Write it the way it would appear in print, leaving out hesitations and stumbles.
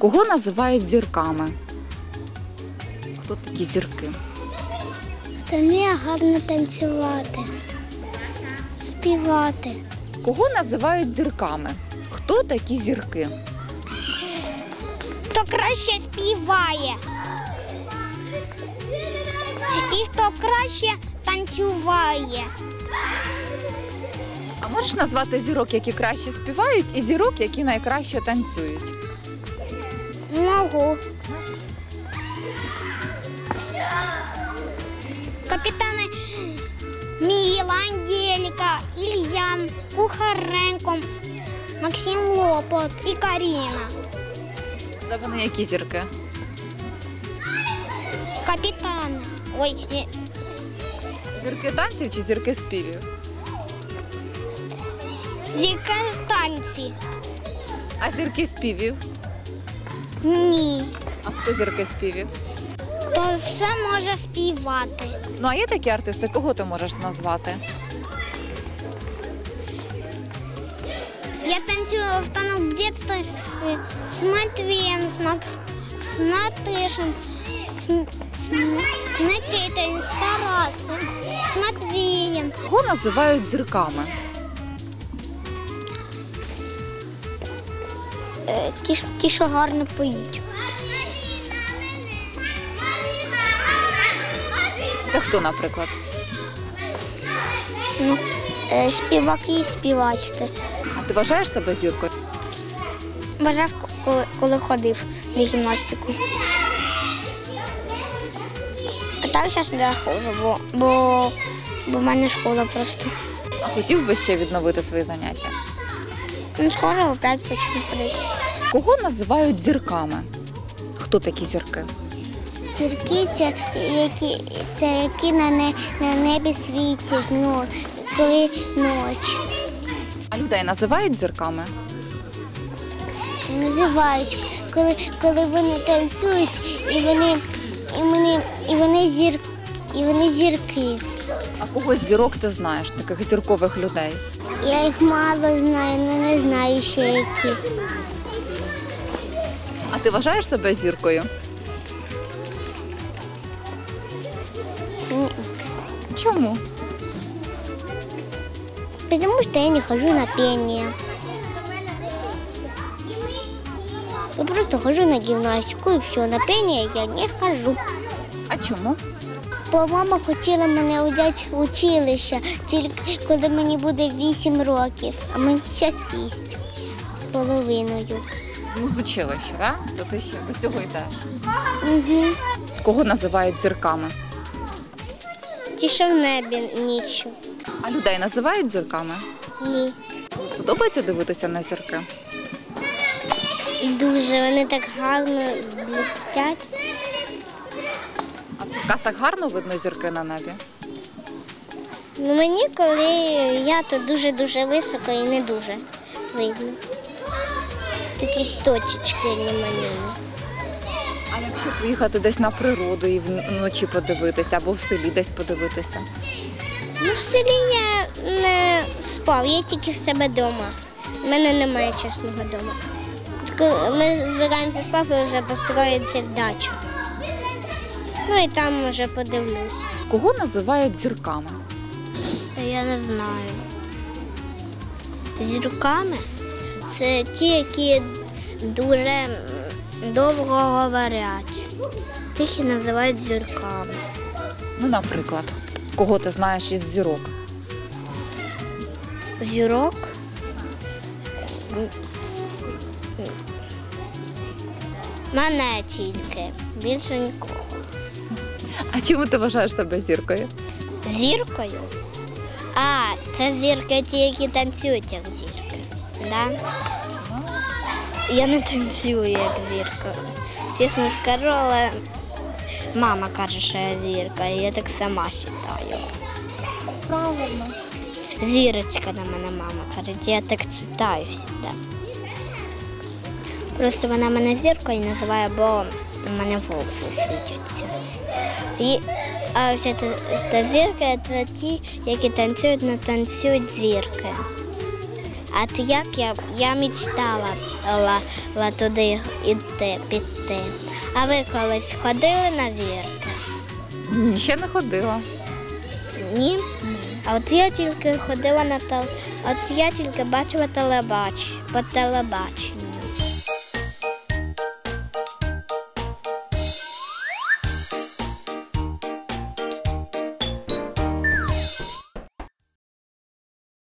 Кого називають зірками? Хто такі зірки? Хто вміє гарно танцювати, співати. Кого називають зірками? Хто такі зірки? Хто краще співає. І хто краще танцюває. А можеш назвати зірок, які краще співають, і зірок, які найкраще танцюють? Можу. Капітани Міла, Ангеліка, Ілья, Кухаренко, Максим Лопот і Каріна. Це вони які зірки? Капітани. Ой, Зірки танців чи зірки співів? зірка танці. А зірки співів? Ні. А хто зірки співів? Хто все може співати. Ну а є такі артисти, кого ти можеш назвати? Я танцюю в танок в детстве с Матвеем, с Натышем, с Никитой, с Тарасом, с Матвеем. Кого називають зірками? Ті, що гарно поють. Це хто, наприклад? Співаки і співачки. А ти вважаєш себе зіркою? Бажав, коли ходив на гімнастику. А так зараз не ходжу, бо в мене школа просто. А хотів би ще відновити свої заняття? Скоро опять почну ходити. Кого називають зірками? Хто такі зірки? Зірки це які на небі світять, коли ніч. А людей називають зірками? Називають, коли вони танцюють і вони зірки. А когось зірок ти знаєш, таких зіркових людей? Я їх мало знаю, але не знаю ще які. А ти вважаєш себе зіркою? Ні. Чому? Потому что я не хожу на пение. Я просто хожу на гимнастику и все. На пение я не хожу. А чому? Бо мама хотіла мене взяти в училище, тільки коли мені буде 8 років, а мені зараз 6,5. Ну, з училища, так? То ти ще до цього йдеш. Угу. Кого називають зірками? Ті, що в небі нічого. А людей називають зірками? Ні. Подобається дивитися на зірки? Дуже, вони так гарно блистять. А в касах гарно видно зірки на небі? Ну, мені, коли я, то дуже-дуже високо і не дуже видно. Такі точечки немаленькі. А якщо поїхати десь на природу і вночі подивитися, або в селі десь подивитися? Ну, в селі я не спав, я тільки в себе вдома. У мене немає чесного дому. Ми збираємося з папою вже построїти дачу. Ну і там вже подивлюсь. Кого називають зірками? Я не знаю. Зірками це ті, які дуже довго говорять. Тих і називають зірками. Ну, наприклад, кого ти знаєш із зірок? Зірок? Мене тільки, більше нікого. А чому ти вважаєш себе зіркою? Зіркою? А, це зірки ті, які танцюють як зірки. Да? Я не танцюю як зірка. Чесно скажу, але мама каже, що я зірка, і я так сама вважаю. Правильно. Зірочка на мене мама каже, я так читаю завжди. Просто вона мене зіркою називає, бо у мене волоси світяться. А вже та зірка – це ті, які танцюють, не танцюють зірки. А от як я мечтала туди піти. А ви колись ходили на зірки? Ні, ще не ходила. Ні? А от я тільки ходила от я тільки бачила по телебаченню.